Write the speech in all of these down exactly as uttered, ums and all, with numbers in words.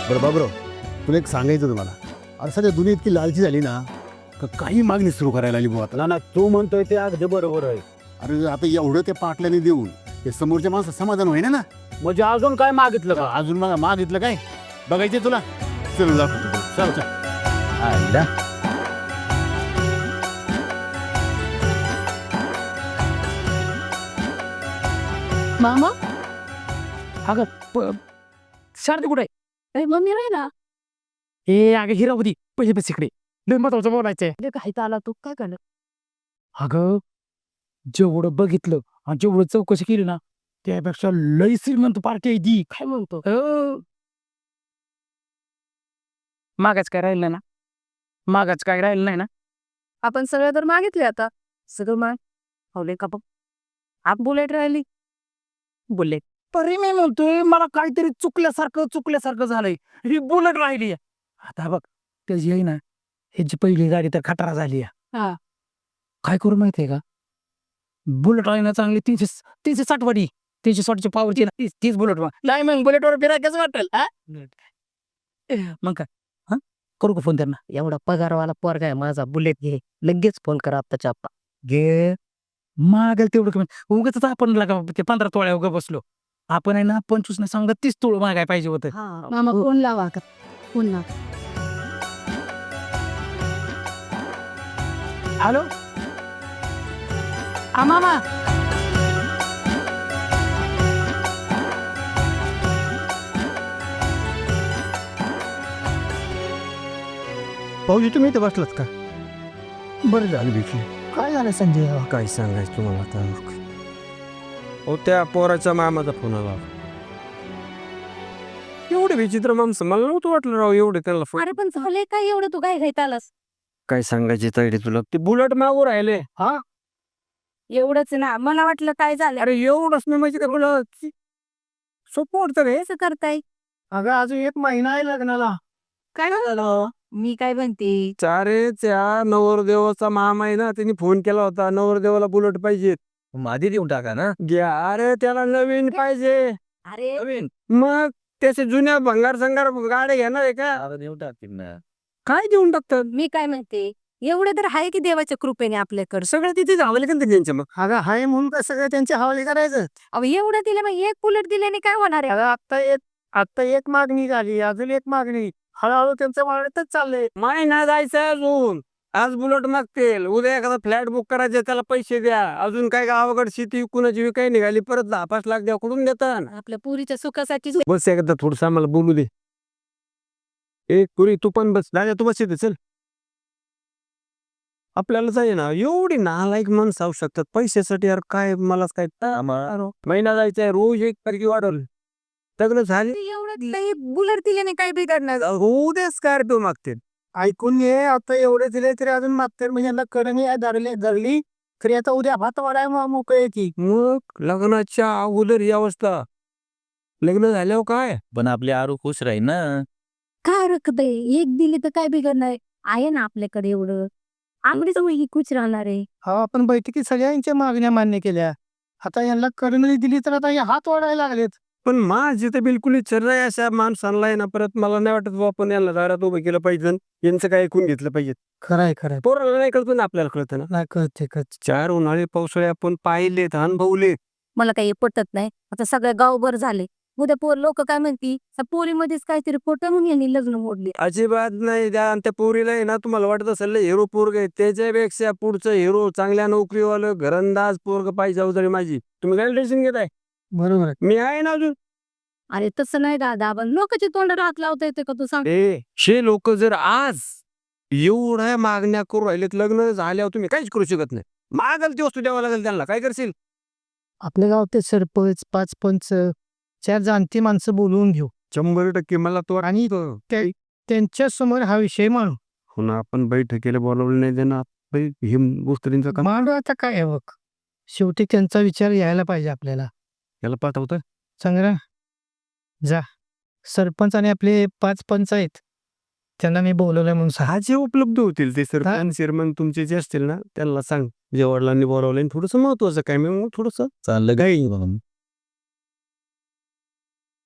बरं बाबराव, तुला एक सांगायचं तुम्हाला, अरे सध्या दुनिया इतकी लालची झाली ना का काही मागणी सुरू करायला आली बुवा आता. ना ना तू म्हणतोय ते अगदी बरोबर आहे. अरे आता एवढं त्या पाटल्याने देऊन ते समोरच्या माणसं समाधान होईना ना. म्हणजे अजून काय मागितलं का? अजून मग मागितलं काय बघायचं तुला. चल दाखवतो तुला. चल चल. आयला. मामा अगं प- शारदी कुठे अरे मम्मी राहिला ए अगं हिरावती पहिले बस इकडे लय महत्वाचं बोलायचंय. काही आला तू काय करणार अगं जेवढं बघितलं आणि जेवढं चौकशी केली ना त्यापेक्षा लय श्रीमंत पार्टी आहे ती. काय म्हणतो हो. मागाच काय राहिलं नाही ना. मागाच काय राहिलं नाही ना. आपण सगळं तर मागितले आता सगळं माग हवले का बघ आप बुलेट राहिली बोलले तरी मी म्हणतोय मला काहीतरी चुकल्यासारखं चुकल्यासारखं झालंय. ही बुलेट राहिली आता बघ त्याची आहे ना ह्याची पहिली गाडी तर खटारा झाली हा काय करू माहितीये का बुलेट आहे ना चांगली तीनशे तीनशे साठ वाडी तीनशे साठची पावरची ना तीच तीच बुलेट नाही मग बुलेटवर फिराय कसं वाटेल हा? मग काय हा करू का फोन त्यांना एवढा पगारवाला पोरगा आहे माझा बुलेट घे लगेच फोन करा आत्ताच्या आत्ता घे मागेल तेवढं कमी उगाच आपण लागा ते पंधरा तोळ्या उगा बसलो आपण आहे ना पंचवीस नाही सांगा तीस तोळ मागाय पाहिजे होतं. मामा फोन लावा का फोन लावा हॅलो हा मामा भाऊजी तुम्ही इथे बसलात का? बरं झालं भेटली. काय झालं संजय काय सांगायचं तुम्हाला आता हो त्या पोराच्या मामाचा फोन आला. एवढे विचित्र माणसं मला नव्हतं वाटलं राव एवढे त्याला फोन. अरे पण झाले काय एवढं तू काय घेत आलास काय सांगायचे तैडे तुला ते बुलेट मागू राहिले. हा एवढंच ना मला वाटलं काय झालं अरे एवढंच मी म्हणजे काय सोपं वाटतं रे. कसं करताय अगं अजून एक महिना आहे लग्नाला. काय झालं मी काय म्हणते चारे त्या नवरदेवाचा मामा आहे ना त्यांनी फोन केला होता नवरदेवाला बुलेट पाहिजे. आधी देऊन टाका ना. घ्या अरे त्याला नवीन पाहिजे. अरे नवीन मग त्याचे जुन्या भंगार संगार गाड्या घेणार आहे का? आता देऊन टाकतील ना. काय देऊन टाकतात मी काय म्हणते एवढे तर आहे की देवाच्या कृपेने आपल्याकडे सगळं तिथे जावं का त्यांच्या मग. अगं हाय म्हणून का सगळं त्यांच्या हवाली करायचं. अहो एवढं दिलं मग एक बुलेट दिल्याने काय होणार आहे अगं आता एक आता एक मागणी झाली अजून एक मागणी हळूहळू त्यांचं वाढतच चाललंय. महिना जायचं अजून आज बुलेट मागतील उद्या एखादा फ्लॅट बुक करायचे त्याला पैसे द्या अजून काय गावाकडे शेती कुणाची विकाय निघाली परत दहा पाच लाख द्या कुठून देतात. आपल्या पुरीच्या सुखासाठी बस एकदा थोडस आम्हाला बोलू दे. ए पुरी तू पण बस दादा तू बस इथे चल. आपल्याला जाय ना एवढी नालायक माणसं होऊ शकतात पैशासाठी यार काय मलाच काय महिना जायचंय रोज एक तारखे वाढवलं सगळं झाले एवढं बुलेट दिल्याने काय बिघडणार उद्या स्कॉर्पिओ मागतील. ऐकून घे आता एवढे दिले तरी अजून मागतात म्हणजे यांना कडणी धरली धरली तरी आता उद्या हात वाढाय मोकळे की. मग लग्नाच्या अगोदर ही अवस्था लग्न झाल्यावर काय पण आपले आरू खुश राहील ना. काय रखत एक दिली तर काय बिघडणार आहे ना आपल्याकडे एवढं आंबडीच ही खुश राहणार आहे. हा आपण बैठकीत सगळ्यांच्या मागण्या मान्य केल्या आता यांना कडणी दिली तर आता हे हात वाढायला लागलेत. पण माझी तर बिलकुल इच्छा नाही अशा माणसांना आहे ना परत मला नाही वाटत बुवा आपण यांना दारात उभं केलं पाहिजे यांचं काय ऐकून घेतलं पाहिजे. खरंय खरंय पोराला नाही कळतं ना आपल्याला कळतं ना. नाही कळते कळते. चार उन्हाळे पावसाळे आपण पाहिलेत अनुभवले. मला काही पटत नाही आता सगळ्या गावभर झाले उद्या पोर लोक काय म्हणती पोरीमध्येच काहीतरी फोटो म्हणून यांनी लग्न मोडले. अजिबात नाही त्या आणि त्या पोरीला आहे ना तुम्हाला वाटत असेल हिरो पोरग आहे त्याच्यापेक्षा पुढचं हिरो चांगल्या नोकरीवालं घरंदाज पोरग पाहिजे अवजारी माझी. तुम्ही काय टेन्शन घेताय बरोबर आहे. मी आहे ना अजून. अरे तसं नाही दादा पण लोकांची तोंड रात लावता येते का तू सांग ए शे लोक जर आज एवढ्या मागण्या करू राहिलेत लग्न झाल्यावर तुम्ही काहीच करू शकत नाही. मागल ती वस्तू द्यावं लागेल त्यांना काय करशील. आपल्या गावात सरपंच पाच पंच चार जाणती माणसं बोलवून घेऊ शंभर टक्के मला तो आणि त्यांच्या समोर हा विषय मांडू. हो ना आपण बैठकीला बोलावलं नाही देणार हे गोष्टींचं काम मांडू आता काय आहे बघ शेवटी त्यांचा विचार यायला पाहिजे आपल्याला. याला पाठवतं संग्राम जा सरपंच आणि आपले पाच पंच आहेत त्यांना मी बोलवलंय म्हणून सांग. हा जे उपलब्ध होतील ते सरपंच चेअरमन तुमचे जे असतील ना त्यांना सांग जे वडिलांनी बोलावलं थोडस महत्वाचं काय मी मग थोडस चाललं काय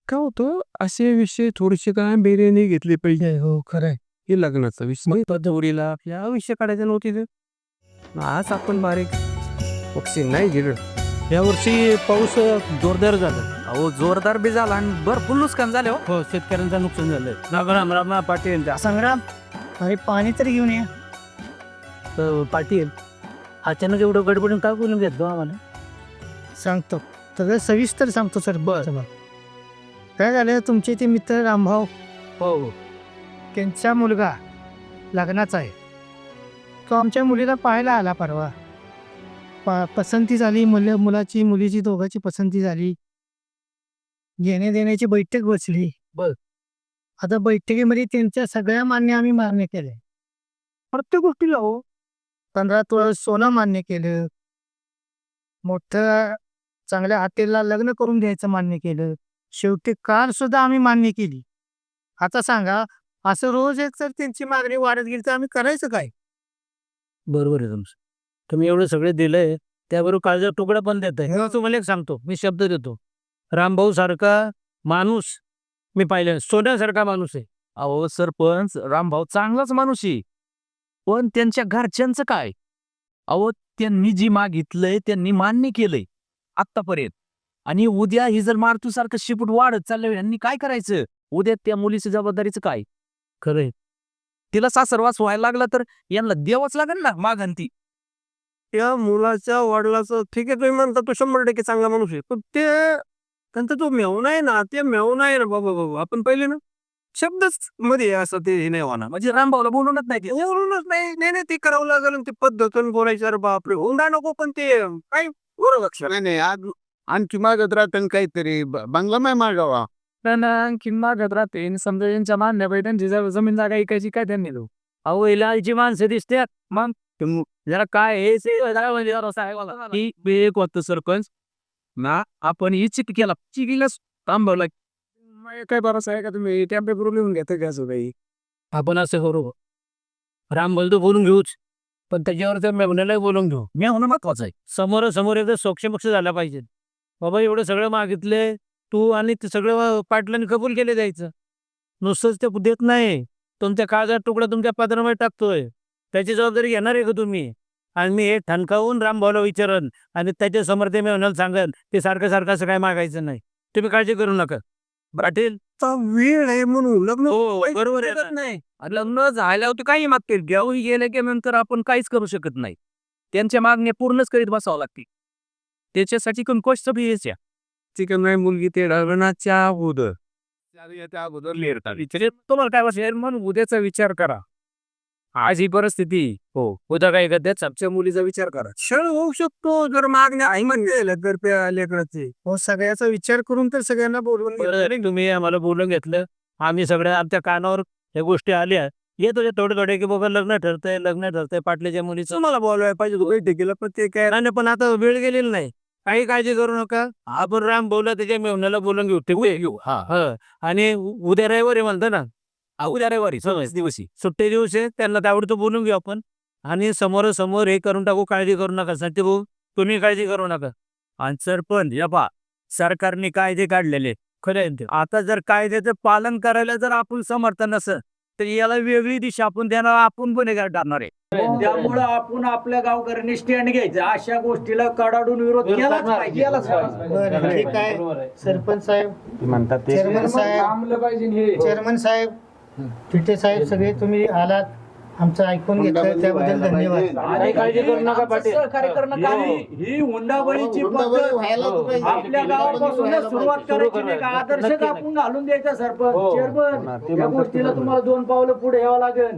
काय होतं असे विषय थोडेसे काय बिर्याणी घेतली पाहिजे. हो खरंय. हे लग्नाचा विषय पद्धतीला आपल्या विषय काढायचा नव्हती ते. आज आपण बारीक पक्षी नाही गेलो. यावर्षी पाऊस जोरदार झाला. अहो जोरदार बी झाला आणि भरपूर नुकसान झालं हो. हो शेतकऱ्यांचं नुकसान झालंय. राम राम पाटील संग्राम अरे पाणी तरी घेऊन ये. अ, पाटील अचानक एवढं गडबडून काय बोलून घेतो आम्हाला. सांगतो सगळं सविस्तर सांगतो सर. बरं काय झालं तुमचे ते मित्र रामभाऊ हो हो त्यांचा मुलगा लग्नाचा आहे. तो आमच्या मुलीला पाहायला आला परवा. पा पसंती झाली. मुलं मुलाची मुलीची दोघांची पसंती झाली. घेणे देण्याची बैठक बसली. बर. आता बैठकीमध्ये त्यांच्या सगळ्या मान्य आम्ही मान्य केले. प्रत्येक गोष्टीला हो. पंधरा तोळा सोनं मान्य केलं. मोठं चांगल्या हॉटेलला लग्न करून द्यायचं मान्य केलं. शेवटी कार सुद्धा आम्ही मान्य केली. आता सांगा असं रोज एक तर त्यांची मागणी वाढत गेली तर आम्ही करायचं काय. बरोबर आहे तुमचं. तुम्ही एवढं सगळे दिलंय त्याबरोबर काळजा तुकडा पण देत आहे. तुम्हाला एक सांगतो मी शब्द देतो. रामभाऊ सारखा माणूस मी पाहिलं सोन्यासारखा माणूस आहे. अहो सरपंच रामभाऊ चांगलाच माणूस आहे पण त्यांच्या घरच्यांचं काय. अहो त्यांनी जी मागितलंय त्यांनी मान्य केलंय आत्तापर्यंत आणि उद्या ही जर मारुतीसारखं शिपूट वाढत चाललं यांनी काय करायचं. उद्या त्या मुलीची जबाबदारीचं काय. खरंय. तिला सासरवास व्हायला लागला तर यांना द्यावंच लागेल ना मागंती. त्या मुलाच्या वडिलाचं ठीक आहे तुम्ही म्हणता तो शंभर टक्के चांगला माणूस आहे पण ते त्यांचा तो मेवना आहे ना ते मेवना आहे ना बाबा बाबा आपण पहिले ना शब्दच मध्ये असं ते हे नाही होणार म्हणजे रामभाऊला बोलूनच नाही ते. एवढूनच नाही नाही नाही ते करावं लागेल आणि ते पद्धतून बोलायचं. अरे बापरे हुंडा नको पण ते काय बरोबर लक्ष नाही नाही आज आणखी मागत राहतं काहीतरी ब- बंगला नाही मागावा. त्यांना आणखी मागत राहते आणि समजा यांच्या मान्य पाहिजे त्यांची जर जमीन जागा ऐकायची काय त्यांनी देऊ. अहो इलायची माणसं दिसतात मग जरा काय हे से- जरा म्हणजे जरा असं आहे बघा. ही एक होतं सरपंच ना आपण ही चिक केला चिकीलाच थांबवला. मग काय बरं आहे का तुम्ही त्या पेपर लिहून घेता का असं काही. आपण असं करू. राम बोलतो बोलून घेऊच पण त्याच्यावर त्या मेवण्यालाही बोलून घेऊ. मी होणं महत्वाचं आहे. समोर समोर एकदा सोक्षमक्ष झाला पाहिजे. बाबा एवढं सगळं मागितले तू आणि ते सगळं पाटलांनी कबूल केले द्यायचं. नुसतंच ते देत नाही तुमच्या काळजात तुकडा तुमच्या पात्रामध्ये टाकतोय त्याची जबाबदारी घेणार आहे का तुम्ही. आणि मी हे ठणकावून रामभाऊला विचारन आणि त्याच्या समोर ते मेवण्याला सांगन ते सारखं सारखं असं काय मागायचं नाही. तुम्ही काळजी करू नका. पाटील आता वेळ आहे म्हणून लग्न हो काही बरोबर आहे शकत ना. नाही. लग्न झाल्यावर ते काही मागतील घेऊन गेले की नंतर आपण काहीच करू शकत नाही. त्यांच्या मागण्या पूर्णच करीत बसावं लागतील. त्याच्यासाठी कंकोष्ट बी यायच्या चिकन नाही मुलगी ते लग्नाच्या अगोदर त्या अगोदर लिहितात. विचार तुम्हाला काय वाटतं म्हणून उद्याचा विचार करा. आज ही परिस्थिती हो उद्या काय करतात सबच्या मुलीचा विचार करा. क्षण होऊ शकतो जर मागण्या आई म्हणजे तर त्या लेकराचे. हो सगळ्याचा विचार करून तर सगळ्यांना बोलवून घेतलं. बरं झालं तुम्ही आम्हाला बोलून घेतलं. आम्ही सगळ्या आमच्या कानावर ह्या गोष्टी आल्या येत होत्या थोडे थोडे की बाबा लग्न ठरतंय लग्न ठरतंय पाटल्याच्या मुलीचं. तुम्हाला बोलवायला पाहिजे होतं बैठकीला पण ते काय नाही नाही, पण आता वेळ गेलेली नाही. काही काळजी करू नका. आपण राम बोलला त्याच्या मेवण्याला बोलून घेऊ ते उद्या घेऊ. हा हं. आणि उ- उद्या रविवारी म्हणतो ना हा, उद्या रविवारी सव्वीस दिवशी सुट्टे दिवस आहे त्यांना त्यावरती बोलून घेऊ आपण आणि समोरासमोर हे करून टाकू. काळजी करू नका साठी भाऊ तुम्ही काळजी करू नका. आणि सरपंच या पहा सरकारने कायदे काढलेले खरं आहे ते. आता जर कायद्याचं पालन करायला जर आपण समर्थ नसेल तर याला वेगळी दिशा आपण देणार आपण गुन्हेगार ठरणार आहे. त्यामुळं आपण आपल्या गावकऱ्यांनी स्टँड घ्यायचं अशा गोष्टीला कडाडून विरोध केलाच पाहिजे केलाच पाहिजे. बरं ठीक आहे. सरपंच साहेब चेअरमन साहेब चेअरमन साहेब फिटे साहेब सगळे तुम्ही आलात आमचं ऐकून घेतलं त्याबद्दल धन्यवाद. आणि काळजी करू नका पाटील. सहकार्य करणं काम आहे. ही हुंडाबळीची पद्धत आपल्या गावापासूनच सुरुवात करायची नाही का आदर्शच आपण घालून द्यायचा सरपंच चेअरमन या गोष्टीला तुम्हाला दोन पावलं पुढे यावं लागेल.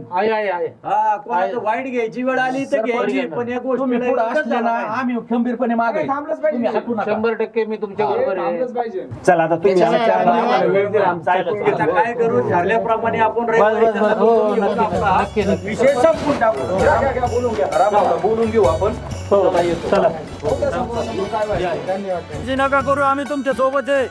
हा कोणाचं वाईट घ्यायची वेळ आली तर घ्यायची पण या गोष्टीला आम्ही खंबीरपणे मागे शंभर टक्के मी तुमच्या बरोबर आहे. चला आता तुम्ही चला, आमच्या धन्यवाद. आम्हाला वेळ दिला आमचा ऐकून घेतला. काय करू ठरल्याप्रमाणे आपण रविवारी त्यांना बोलवून घेऊन आपला नक्की, नक्की. विषय संपून टाकू. घ्या, घ्या, घ्या, बोलून घ्या. रामाला बोलून घेऊ आपण. चला, येतो. चला. ओके, समोर काय व्हायचं? धन्यवाद. काळजी नका करू आम्ही तुमच्या सोबत आहे.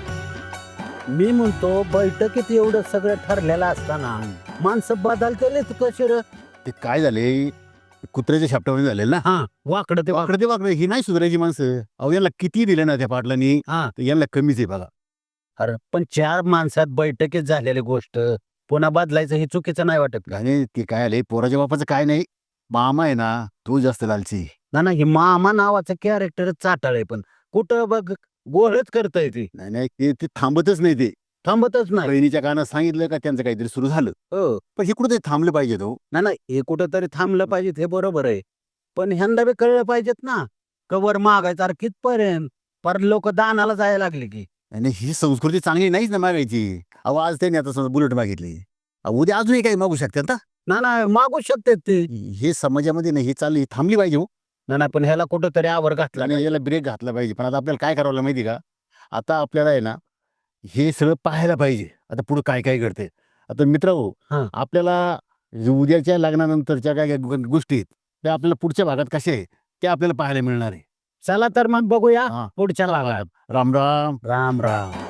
मी म्हणतो बैठकीत एवढं सगळं ठरलेलं असताना माणसं बदलतेले कसे रे. ते काय झाले कुत्र्याच्या शापटामध्ये झालेलं ना. हा वाकडं ते वाकडे ते वाकडे ही नाही सुधारायची माणसं. अहो यांना किती दिलं ना त्या पाटलांनी हा तर यांना कमीच आहे बघा. अरे पण चार माणसात बैठकीत झालेली गोष्ट पुन्हा बदलायचं हे चुकीचं नाही वाटत का? आणि ते काय आले पोराच्या बापाचं काय नाही, मामा आहे ना तो जास्त लालची. ना ना हे मामा नावाचं कॅरेक्टर चाटाळ आहे, पण कुठं बघ गोळच करतय ते, नाही नाही ते ते थांबतच नाही. ते थांबतच नाही. बहिणीच्या कानात सांगितलं का त्यांचं काहीतरी सुरू झालं, हो पण हे कुठे थांबलं पाहिजे तो. ना ना हे कुठं तरी थांबलं पाहिजे, हे बरोबर आहे, पण ह्यांना बी कळलं पाहिजेत ना कवर मागायचं. अरे कितपर्यंत पर लोक दानाला जायला लागले की. आणि ही संस्कृती चांगली नाहीच ना मागायची. अहो आज त्यांनी आता समजा बुलेट मागितली, अहो, उद्या अजूनही काही मागू शकतात ना. ना ना मागू शकते ते. हे समाजामध्ये नाही, हे चालली थांबली पाहिजे हो. ना ना पण ह्याला कुठं तरी आवर घातला आणि याला ब्रेक घातला पाहिजे. पण आता आपल्याला काय करावं लागलं माहिती का, आता आपल्याला आहे ना हे सगळं पाहायला पाहिजे आता पुढे काय काय घडते. आता मित्र हो, हां. आपल्याला उद्याच्या लग्नानंतरच्या काय काय गो- गोष्टी आहेत त्या आपल्याला पुढच्या भागात कशा आहे ते आपल्याला पाहायला मिळणार आहे. चला तर मग बघूया हां. पुढच्या भागात. राम राम. राम राम.